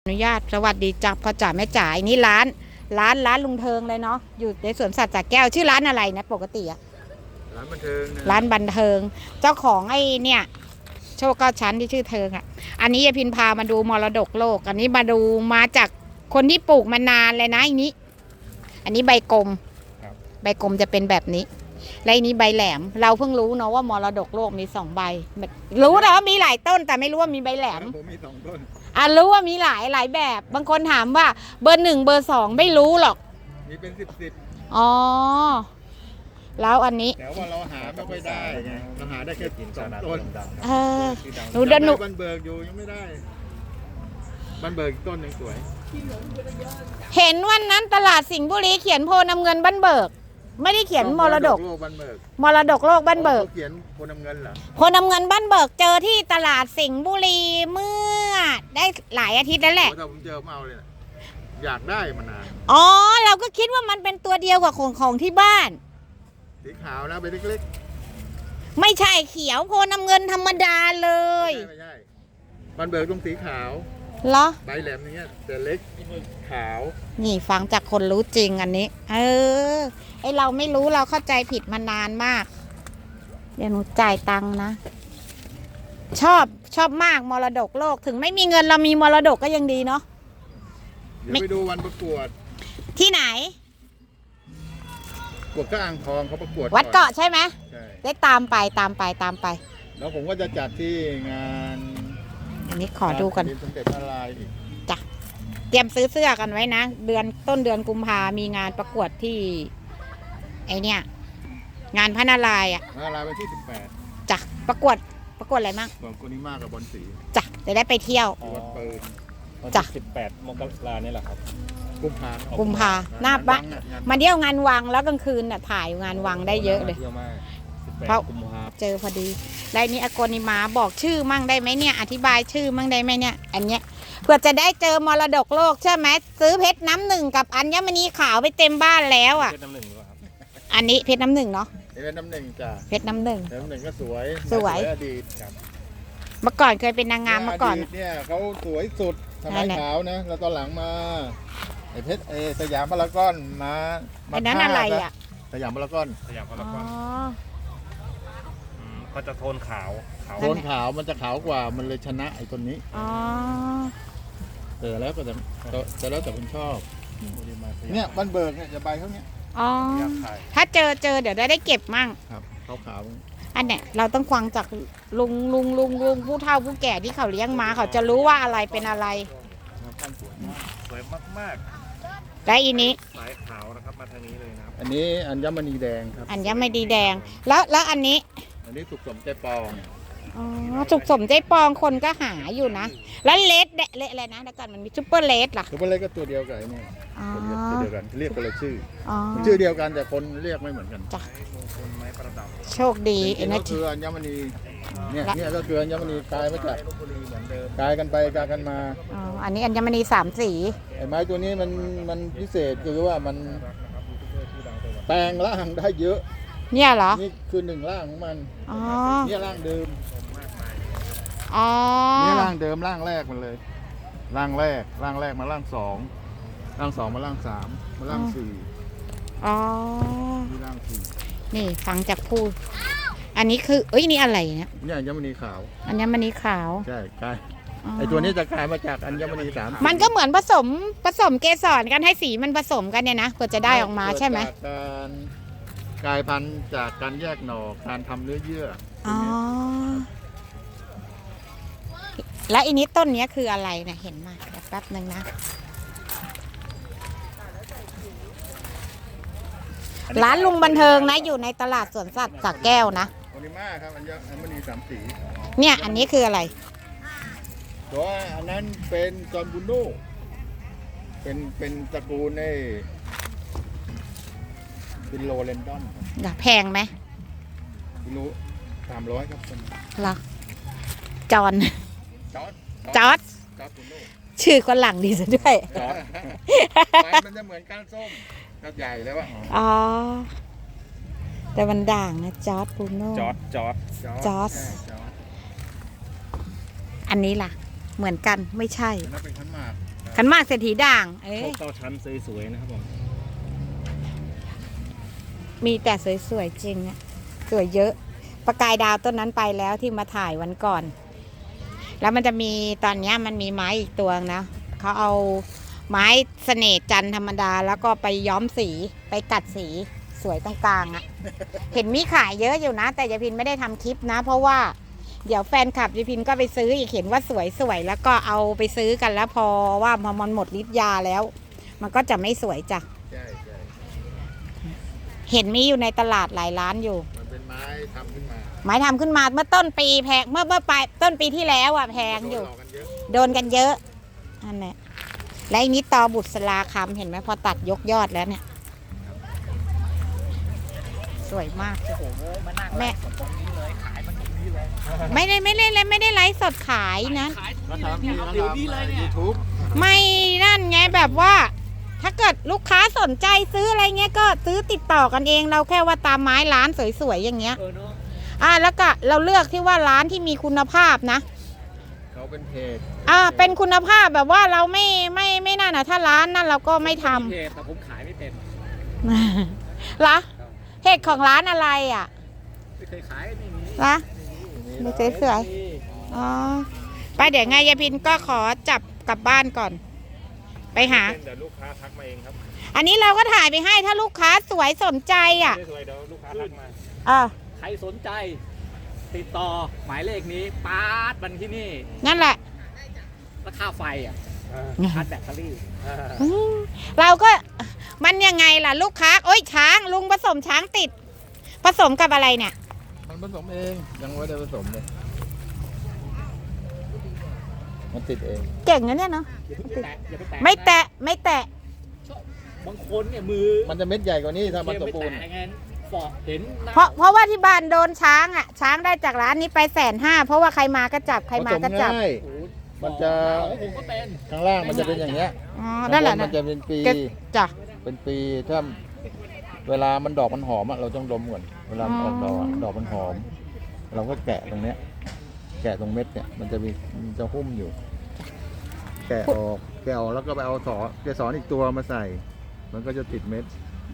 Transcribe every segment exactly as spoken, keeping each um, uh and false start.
อนุญาตสวัสดีจ้าพ่อจ๋าแม่จ๋าอันนี้ร้านร้านร้านลุงเทิงเลยเนาะอยู่ในสวนสัตว์สระแก้วชื่อร้านอะไรนะปกติอะร้านบันเทิงร้านบันเทิงเจ้าของไอ้เนี่ยโชคเก้าชั้นที่ชื่อเทิงอะอันนี้ยายพินพามาดูมรดกโลกอันนี้มาดูมาจากคนที่ปลูกมานานเลยนะอันนี้อันนี้ใบกลมใบกลมจะเป็นแบบนี้และอันนี้ใบแหลมเราเพิ่งรู้เนาะว่ามรดกโลกมีสองใบรู้แต่ว่ามีหลายต้นแต่ไม่รู้ว่ามีใบแหลมผมมีสองต้นอ่ะรู้ว่ามีหลายหลายแบบบางคนถามว่าเบอร์หนึ่งเบอร์สองไม่รู้หรอกมีเป็นสิบสิบอ๋อแล้วอันนี้แต่ว่าเราหาไม่ค่อยได้ไงเราหาได้แค่สองต้นเออหนูเดินหนูบันเบิกอยู่ยังไม่ได้บันเบิกต้นยังสวยเห็นวันนั้นตลาดสิงห์บุรีเขียนโพนำเงินบันเบิกไม่ได้เขียนมรดกโลกบันเบิกมรดกโลกบันเบิกเขียนโพนำเงินเหรอโพนำเงินบันเบิกเจอที่ตลาดสิงห์บุรีเมื่อได้หลายอาทิตย์แล้วแหละถ้าผมเจอผมเอาเลยนะอยากได้มานานอ๋อเราก็คิดว่ามันเป็นตัวเดียวกับของของที่บ้านสีขาวนะใบเล็กๆไม่ใช่เขียวโพนำเงินธรรมดาเลยไม่ใช่บันเบิกตรงสีขาวเหรอใบแหลมอย่างเงี้ยแต่เล็กขาวนี่ฟังจากคนรู้จริงอันนี้เออไอเราไม่รู้เราเข้าใจผิดมานานมากเดี๋ยวหนูจ่ายตังค์นะชอบชอบมากมรดกโลกถึงไม่มีเงินเรามีมรดกก็ยังดีเนาะเดี๋ยวไปดูวันประกวดที่ไหนประกวดก็อ่างทองเขาประกวดวัดเกาะใช่ไหมใช่ได้ตามไปตามไปตามไปแล้วผมก็จะจัดที่งานอันนี้ขอดูกันสมเด็จพระนารายณ์อีกจ้ะเตรียมซื้อเสื้อกันไว้นะเดือนต้นเดือนกุมภามีงานประกวดที่ไอเนี่ยงานพระนารายณ์อ่ะพระนารายณ์วันที่สิบแปดจ้ะประกวดประกวดอะไรมั่งประกวดโกนิมากับบอลสีจ้ะจะได้ไปเที่ยววัดปืนจ้ะสิบแปดมกราเนี่ยแหละครับกุมภากุมภาหน้าบ้านมาเที่ยวงานวังแล้วกลางคืนน่ะถ่ายงานวังได้เยอะเลยเพราะเจอพอดีแล้วนี้อโกนิมาบอกชื่อมั่งได้ไหมเนี่ยอธิบายชื่อมั่งได้ไหมเนี่ยอันเนี้ยเพื่อจะได้เจอมรดกโลกใช่ไหมซื้อเพชรน้ำหนึ่งกับอัญมณีขาวไปเต็มบ้านแล้วอ่ะเพชรน้ำหนึ่งครับอันนี้เพชรน้ำหนึ่งเนาะเพชรน้ำหนึ่งจ้ะเพชรน้ำหนึ่งเพชรน้ำหนึ่งก็สวยสวยอดีตครับเมื่อก่อนเคยเป็นนางงามเมื่อก่อนเนี่ยเขาสวยสุดสมัยขาวนะแล้วตอนหลังมาไอ้เพชรไอ้สยามพารากอนมาไอ้นั้นอะไรอ่ะสยามพารากอนสยามพารากอนก็จะโทนขาวโทนขาวมันจะขาวกว่ามันเลยชนะไอ้ตัวนี้อ๋อแต่แล้วก็จะแต่แล้วแต่คุณชอบเนี่ยบันเบิกเนี่ยจะใบเท่านี้อ๋อถ้าเจอเจอเดี๋ยวได้ได้เก็บมั่งครับขาวขาวอันเนี้ยเราต้องฟังจากลุงลุงลุงลุงผู้เฒ่าผู้แก่ที่เขาเลี้ยงมาเขาจะรู้ว่าอะไรเป็นอะไรสวยมากๆและอีนี้สายขาวนะครับมาทางนี้เลยนะครับอันนี้อัญมณีแดงครับอัญมณีแดงแล้วแล้วอันนี้อันนี้สุกสมใจปองอ๋อสุกสมใจปองคนก็หาอยู่นะแล้วเลสเดเลสอะไรนะเดี๋ยวก่อนมันมีซุปเปอร์เลสล่ะซุปเปอร์เลสก็ตัวเดียวกันนี่ตัวเดียวกันเรียกกันเลยชื่อชื่อเดียวกันแต่คนเรียกไม่เหมือนกันจ้ะไม้ประดับโชคดีเอ็นก็คืออัญมณีเนี่ยเนี่ยก็คืออัญมณีกลายมาจากกลายกันไปกลายกันมาอ๋ออันนี้อัญมณีสามสีไอ้ไม้ตัวนี้มันมันพิเศษคือว่ามันแปลงร่างได้เยอะเนี่ยเหรอนี่คือหนึ่งร่างของมันอ๋อเนี่ยร่างเดิมอ๋อนี่ร่างเดิมร่างแรกมันเลยร่างแรกร่างแรกมาร่างสองร่างสองมาร่างสามมาร่างสี่อ๋อนี่ร่างสี่นี่ฟังจากพูดอันนี้คือเอ้ยนี่อะไรเนี่ยนี่อัญมณีขาวอัญมณีขาวใช่กลายไอตัวนี้จะกลายมาจากอัญมณีสามมันก็เหมือนผสมผสมเกสรกันให้สีมันผสมกันเนี่ยนะเพื่อจะได้ออกมาใช่ไหมการกลายพันธุ์จากการแยกหน่อการทำเนื้อเยื่ออ๋อแล้วอันนี้ต้นนี้คืออะไรนะเห็นมาแป๊บนึงนะร้านลุงบันเทิงนะอยู่ในตลาดสวนสัตว์สระแก้วนะโอนิมาครับอัญมณีสามสีเนี่ยอันนี้คืออะไรตัวอันนั้นเป็นจอห์นบูโน่เป็นเป็นตระกูลในฟิโลเรนดอนครับแพงไหมฟิโลสามร้อยครับเหรอจอนจอร์ดจอร์ดชื่อคนหลังดีซะด้วยจอร์ดมันจะเหมือนก้านส้มก้านใหญ่แล้ววะอ๋อแต่มันด่างนะจอร์ดบูโน่จอร์ดจอร์ดจอร์ดอันนี้ล่ะเหมือนกันไม่ใช่นั่นเป็นขันหมากขันหมากเศรษฐีด่าง เอ้โชยคเก้าชั้นสวยๆนะครับผมมีแต่สวยๆจริงอะสวยเยอะ ประกายดาวต้นนั้นไปแล้วที่มาถ่ายวันก่อน แล้วมันจะมีตอนเนี้ยมันมีไม้อีกตัวนะเขาเอาไม้เสน่ห์จันทร์ธรรมดา แล้วก็ไปย้อมสีไปกัดสีสวยตรงกลางอะ เห็นมีขายเยอะอยู่นะ แต่ยายพินไม่ได้ทำคลิปนะ เพราะว่าเดี๋ยวแฟนคลับยายพินก็ไปซื้ออีกเห็นว่าสวยๆแล้วก็เอาไปซื้อกันแล้วพอว่าพอมันหมดฤทธิ์ยาแล้ว มันก็จะไม่สวยจ้ะใช่ใช่เห็นมีอยู่ในตลาดหลายร้านอยู่มันเป็นไม้ทำขึ้นมาไม้ทำขึ้นมาเมื่อต้นปีแพงเมื่อเมื่อปลายต้นปีที่แล้วอ่ะแพงอยู่โดนหลอกกันเยอะโดนกันเยอะอันนี้และอันนี้ตอบุษราคำเห็นไหมพอตัดยกยอดแล้วเนี่ย สวยมากโอ้โหมานั่งแม่ไลฟ์สดตรงนี้เลยขายมันตรงนี้เลยไม่ได้ไม่ได้เลยไม่ได้ไลฟ์สดขายนะขายตรงก็นี้เลยทำเนี่ยเอาเดี๋ยวนี้เลยเนี่ยยูทูบไม่นั่นไงแบบว่า ถ้าเกิดลูกค้าสนใจซื้ออะไรเงี้ยก็ซื้อติดต่อกันเองเราแค่ว่าตามไม้ร้านสวยๆอย่างเงี้ยเออเนาะอ่าแล้วก็เราเลือกที่ว่าร้านที่มีคุณภาพนะเขาเป็นเพจอ่าเป็นคุณภาพแบบว่าเราไม่ไม่ไม่นั่นอ่ะถ้าร้านนั่นเราก็ไม่ทเพจแต่ผมขายไม่เป็นำ ละเหตุของร้านอะไรอ่ะไม่เคยขายไม่มีละดูสวยๆอ๋อไปเดี๋ยวไงยายพินก็ขอจับกลับบ้านก่อน ไปหาเดี๋ยวลูกค้าทักมาเองครับอันนี้เราก็ถ่ายไปให้ถ้าลูกค้าสวยสนใจอ่ะไม่สวยเดี๋ยวลูกค้าทักมาอ่าใครสนใจ ติดต่อหมายเลขนี้ปาดบันที่นี่นั่นแหละราคาไฟอ่ะชาร์จแบตเตอรี่อืมเราก็มันยังไงล่ะลูกค้าโอ้ยช้างลุงผสมช้างติด ผสมกับอะไรเนี่ยมันผสมเองยังไม่ได้ผสมเลยมันติดเองเก่งนะเนี่ยเนาะอย่าเพิ่งไปแตะอย่าไปแตะไม่แตะไม่แตะบางคนเนี่ยมือมันจะเม็ดใหญ่กว่านี้ถ้ามันสมไม่บูรแตะณ์ไงฟอกเห็นหน้เพราะเพราะว่าที่บ้านโดนช้างอ่ะ ช้างได้จากร้านนี้ไปแสนห้าเพราะว่าใครมาก็จับใครมาก็จับผสง่ายโอ้โหมันจะของผมก็เป็นข้างล่างมันจะเป็นอย่างเงี้ยอ๋อนั่นแหละมันะนจะเป็นปีก็จ้ะเป็นปีถ้าเวลามันดอกมันหอมอะเราต้องดมก่อนเวลามันออกดอกอะดอกมันหอม เราก็แกะตรงเนี้ย แกะตรงเม็ดเนี่ยมันจะมีมันจะหุ้มอยู่ แกะออกแกะออกแล้วก็ไปเอาสอเกสรอีกตัวมาใส่ มันก็จะติดเม็ด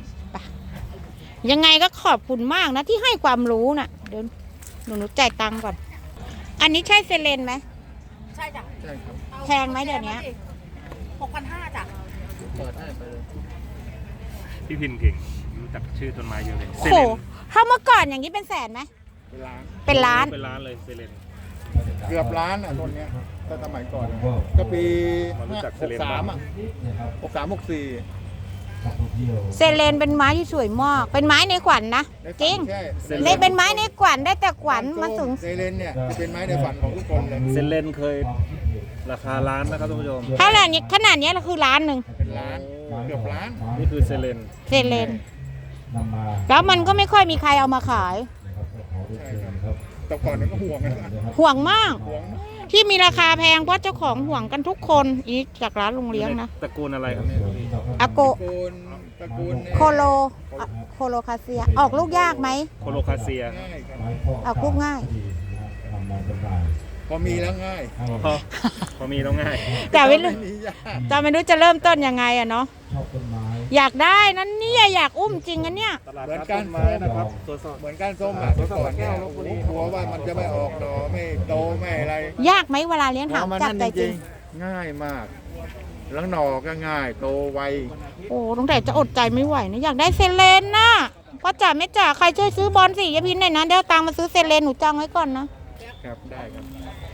ยังไงก็ขอบคุณมากนะที่ให้ความรู้น่ะเดี๋ยวหนูหนูจ่ายตังค์ก่อน อันนี้ใช่เซเลนไหมใช่จ้ะใช่ครับแพงไหมเดี๋ยวนี้หกพันห้าจ้ะเปิดให้ไปเลยพี่พินเก่งรู้จักชื่อต้นไม้เยอะเลยโอ้โหถ้าเมื่อก่อนอย่างนี้เป็นแสนไหมเป็นล้านเป็นล้านเป็นล้านเลยเซเลนเกือบล้านอ่ะต้นเนี้ยถ้าสมัยก่อนอะก็ปีมารู้จักเซหกเลนสามอ่ะหกสามหกสี่เซเลนเป็นไม้ที่สวยมาก เป็นไม้ในขวัญนะจริงใช่เลยเป็นไม้ในขวัญได้แต่ขวัญมาสูงเซเลนเนี่ยเป็นไม้ในฝันของทุกคนเลยเซเลนเคยราคาล้านนะครับท่านผู้ชมถ้าขนาดนี้ขนาดนี้เราคือล้านหนึ่งเป็นล้านเกือบล้านนี่คือเซเลนเซเลนแล้วมันก็ไม่ค่อยมีใครเอามาขายใช่ครับแต่ก่อนนั้นก็ห่วงนะห่วงมากห่วงมากที่มีราคาแพงเพราะเจ้าของห่วงกันทุกคนอีกจากร้านลุงเลี้ยงนะตระกูลอะไรครับเนี่ยอาโกตระกูลตระกูลเนี่ยโคโลอะโคโลคาเซีย ออกลูกยากไหมโคโลคาเซียง่ายครับออกลูกง่ายพอมีแล้วง่ายพอพอมีแล้วง่ายแต่ไม่รู้มียากแต่ไม่รู้จะเริ่มต้นยังไงอะเนาะอยากได้นั้นเนี่ยอยากอุ้มจริงอันเนี่ยตลาดนัดต้นไม้นะครับตรวจสอบเหมือนก้านส้มอ่ะเมื่อก่อนเนี่ยโอ้โหกลัวว่ามันจะไม่ออกดอกไม่โตไม่อะไรยากไหมเวลาเลี้ยงถามพอมันจากนั่นใจจจริริงงๆง่ายมากแล้วหน่อก็ง่าย โตไวโอ้ตั้งแต่จะอดใจไม่ไหวนะอยากได้เซเลนน่ะพ่อจ๋าแม่จ๋าใครช่วยซื้อบอลสิยายพินหน่อยนะเดี๋ยวเอาตังค์มาซื้อเซเลนหนูจองไว้ก่อนนะครับได้ครับ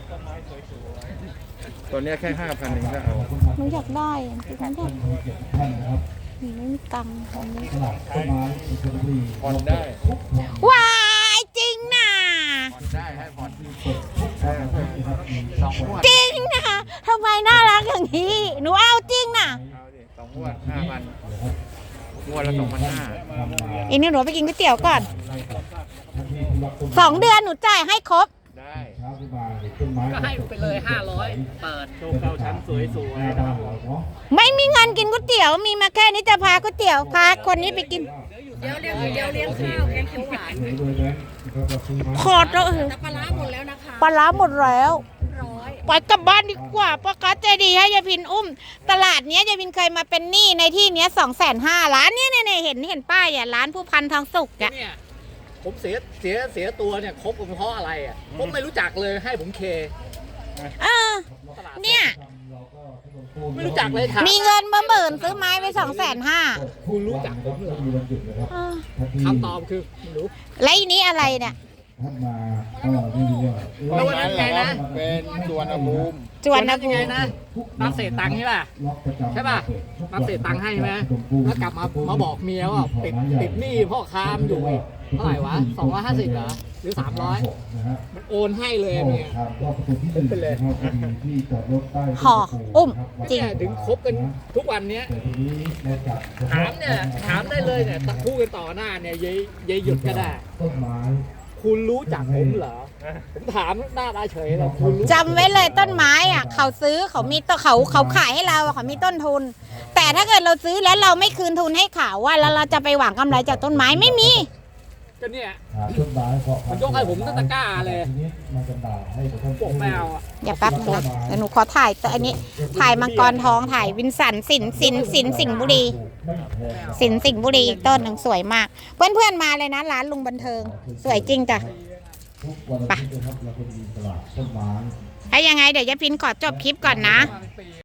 ตัวเนี้ยแค่ห้าพันเองก็เอาหนูอยากได้อะหนูอยากหนูไม่มีตังค์ตอนนี้ผ่อนได้ว้ายจริงน่ะผ่อนได้ให้ผ่อนสองงวดจริงนะทำไมน่ารักอย่างนี้ หนูเอาจริงนะเอาดิสองงวดห้าพันงวดละสองพันห้าอีนี่หนูไปกินก๋วยเตี๋ยวก่อนสองเดือนหนูจ่ายให้ครบได้ก็ให้ไปเลยห้าร้อยเปิดโชว์เก้าชั้นสวยๆนะครับไม่มีเงินกินก๋วยเตี๋ยวมีมาแค่นี้จะพาก๋วยเตี๋ยวพาคนนี้ไปกินเดี๋ยวเลี้ยงเดี๋ยวเลี้ยงข้าวแกงเขียวหวานขอดแล้วแต่ปลาร้าหมดแล้วนะคะปลาร้าหมดแล้วร้อยปล่อยกลับบ้านดีกว่าป้ากัสใจดีให้ยายพินอุ้ม ตลาดเนี้ยยายพินเคยมาเป็นหนี้ในที่เนี้ยสองแสนห้าร้านเนี้ยเนี่ยเนี่ยเห็นเห็นป้ายอ่ะร้านผู้พันทองสุกอ่ะเนี่ยผมเสียเสียเสียตัวเนี่ยคบกันเพราะอะไรอ่ะผมไม่รู้จักเลยให้ผมเคเออตลาดเนี่ยไม่รู้จักเลยถามมีเงินมาหมื่นซื้อไม้ไปสองแสนห้าคุณรู้จักผมเหรอคำตอบคือไม่รู้แล้วอีนี้อะไรเนี่ยแล้ววันนั้นไงนะเป็นสวนภูมิจวนนะยักูงไงนะรับเศษตังค์ใช่ป่ะใช่ป่ะรับเศษตังค์ให้ไหมแล้วกลับมามาบอกเมียว่าติดติดหนี้พ่อค้ามอยู่อีกเท่าไหร่วะสองร้อยห้าสิบเหรอหรือสามร้อยมันโอนให้เลยเมียเป็นไปเลยห่ออุ้มจริงเนี่ยถึงคบกันทุกวันเนี้ยถามเนี่ยถามได้เลยเนี่ยพูดกันต่อหน้าเนี่ยยายยายหยุดก็ได้คุณรู้จักผมเหรอผมถามหน้าตาเฉยเลยคุณรู้จำไว้เลยต้นไม้อ่ะ เขาซื้อเขามีต้นเขาเขาขายให้เราอะเขามีต้นทุน แต่ถ้าเกิดเราซื้อแล้วเราไม่คืนทุนให้เขาว่าแล้วเราจะไปหวังกำไรจากต้นไม้ไม่มีก็เนี่ยมันยกให้ผมตั้งตะกร้าเลยพวกแมวอ่ะอย่าแป๊บนึงนะเดี๋ยวหนูขอถ่ายตัวอันนี้ ถ่ายมังกรทองถ่ายวินสันสินสินสินสิงห์บุรี สินสิงห์บุรีอีกต้นหนึ่งสวยมาก เพื่อนเพื่อนๆมาเลยนะร้านลุงบันเทิง สวยจริงจ้ะไปถ้ายังไงเดี๋ยวยายพินขอจบคลิปก่อนนะ